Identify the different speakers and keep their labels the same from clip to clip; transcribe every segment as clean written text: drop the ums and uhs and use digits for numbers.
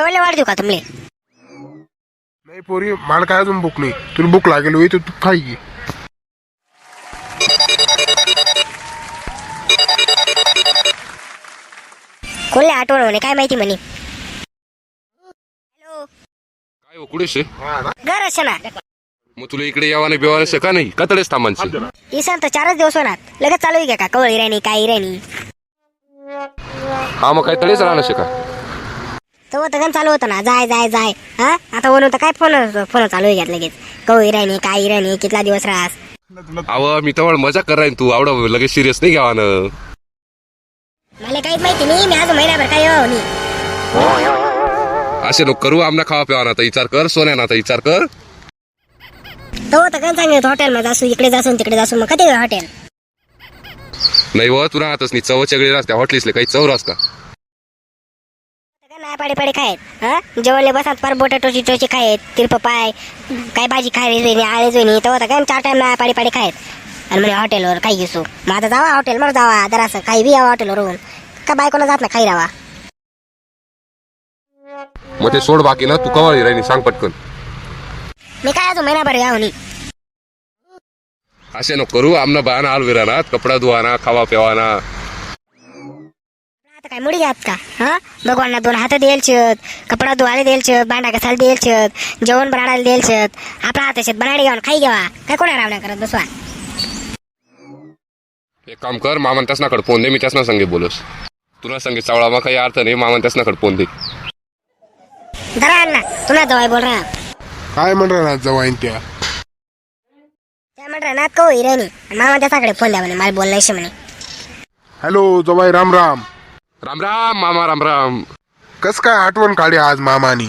Speaker 1: जेवायला वाढ देऊ का तुमले?
Speaker 2: नाही पोरी, मला काय अजून भूक नाही. तुला भूक लागेल होई तर तू खाई घे.
Speaker 1: कोणले आठवण म्हणे काय माहिती म्हणे. हॅलो
Speaker 3: काय हो कुठेस रे?
Speaker 1: घर असे ना
Speaker 3: मग तुला इकडे यावाने बिवाने का नाही कतडेच थांबांचे?
Speaker 1: इसान तर 4च दिवस होणार. लगेच चालू आहे का कवळी राणी काय राणी?
Speaker 3: हा मग काय तडेच राहणार का?
Speaker 1: तो तर गण चालू होतं ना, जाय जाय जाय. हा आता म्हणून तर काय फोन फोन चालू आहे लगेच. कवळी राणी काय राणी कितला दिवस राहस?
Speaker 3: अव मी तर मजा करायन तू आवडा लगेच सिरियस नाही घ्यावानं.
Speaker 1: मला काहीच माहिती नाही. मी आज महिनाभर काय हो नाही.
Speaker 3: असे नको करू. आमना खावा पिवा ना विचार कर. सोन्या ना विचार कर.
Speaker 1: तो तर गण सांगितलं हॉटेल मध्ये जासू, इकडे जासून तिकडे जासून. मग कधी हॉटेल
Speaker 3: नाही व तुला आताच नाही चव चगळी राहते हॉटेल्सले काही चव रास का?
Speaker 1: नाही पाडी पाडी खायत. हा जेवणले बसात फार बोटाटोची टोची खायत. तिरप पाय काय भाजी खायची नाही आळे जोनी. तो तर काय 4 टाइम नाही पाडी पाडी खायत. आणि म्हणे हॉटेलवर काही घेसू. मग आता जावा हॉटेलवर जावा जरासं काही बी यावं हॉटेलवरून. का बायकोला जात ना खाई रावा.
Speaker 3: मग ते सोड बाकी ना तू कवाळी राहिनी सांग पटकन.
Speaker 1: मी काय अजून महिनाभर यावं नाही.
Speaker 3: असे नको करू. आमना बायाना आलविराना कपडा धुवाना खावा पिवाना.
Speaker 1: आता काय मुडी घ्यात का? हा भगवानला 2 हात द्यायचे, कपडा धुवायला द्यायचे, भांडा घासायला द्यायचे, जेवण बनायला द्यायचे. आपला हाताशात बनायला घ्यावं खाई घ्यावा. काय कोणा रावण्या करत बसवा.
Speaker 3: एक काम कर मामन त्यासनाकडे फोन दे. मी त्यासना संगे बोलस. तुला संगे चावळा मग काही अर्थ नाही. मामन त्यासनाकडे फोन दे.
Speaker 1: जरा अण्णा तुला जवळ बोल रहा.
Speaker 2: काय म्हणणार ना जवाईन त्या?
Speaker 1: त्या म्हणणार ना कवळी राणी. मामा त्याच्याकडे फोन द्या म्हणे मला बोलायचं म्हणे.
Speaker 2: हॅलो जवाई, राम राम.
Speaker 3: राम राम मामा राम राम.
Speaker 2: कस काय आठवण काढली आज मामानी?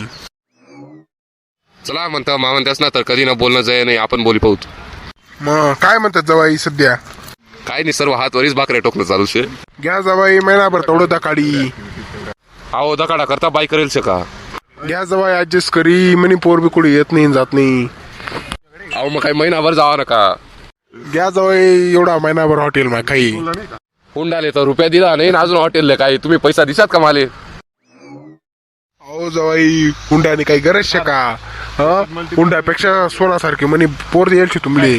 Speaker 3: चला म्हणता मामन त्यासना तर कधी ना बोलणं जाय नाही. आपण बोली पाहू.
Speaker 2: मग काय म्हणतात जवाई सध्या?
Speaker 3: काय नाही सर्व हात वरीच भाकरे टोकणं चालू शे.
Speaker 2: घ्या जवाई, महिनाभर तेवढं दाकाडी.
Speaker 3: अहो दकाडा करता बाई करेल शे का?
Speaker 2: घ्या जवाई ऍडजस्ट करी. म्हणे पोर बी कुठे येत नाही जात नाही.
Speaker 3: अहो मग काही महिनाभर जावा नका.
Speaker 2: घ्या जवाई एवढा महिनाभर हॉटेल मा काही.
Speaker 3: हुंडाले तर रुपया दिला नाही अजून हॉटेलले काय तुम्ही पैसा दिसात का माले?
Speaker 2: अहो जवाई हुंड्याने काही गरज शे का? हुंड्यापेक्षा सोनासारखे म्हणे पोर द्यायची तुमले.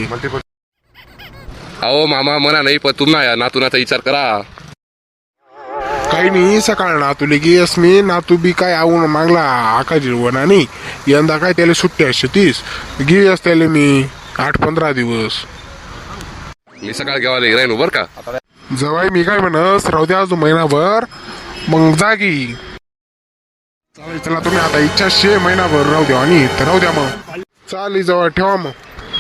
Speaker 3: अहो मामा म्हणा नाही पण तुम्हाला नातूनाचा विचार करा.
Speaker 2: काही नाही सकाळ नातू गेस मी नातू बी काय आवून मागला आकाजी वनानी. यंदा काय त्याला सुट्टी असते 30 गेस त्याला मी 8-15 दिवस.
Speaker 3: मी सकाळ घेवाले राहीन बर का?
Speaker 2: जवाई मी काय म्हणस राहू द्या अजून महिनाभर मग जागी. चालेल चला तुम्ही आता इच्छा शे महिनाभर राहू द्या आणि तर राहू द्या मग. चालेल जवळ ठेवा मग.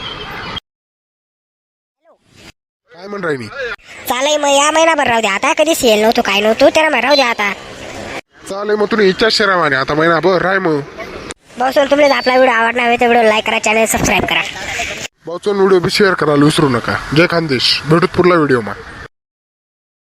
Speaker 2: काय म्हण राहिनी?
Speaker 1: चालेल मग या महिनाभर राहू द्या. आता कधी सेल नव्हतो काय नव्हतो त्याला राहू द्या आता.
Speaker 2: चालेल मग तुला इच्छा शे रावाने आता महिनाभर राय मग.
Speaker 1: बसून तुम्हाला आपला व्हिडिओ आवडला हवे तर व्हिडिओ लाईक करा, चॅनल सबस्क्राईब करा.
Speaker 2: भाऊचा व्हिडिओ बी शेअर करायला विसरू नका. जय खानदेश. भेटूत पुढला व्हिडिओ मा.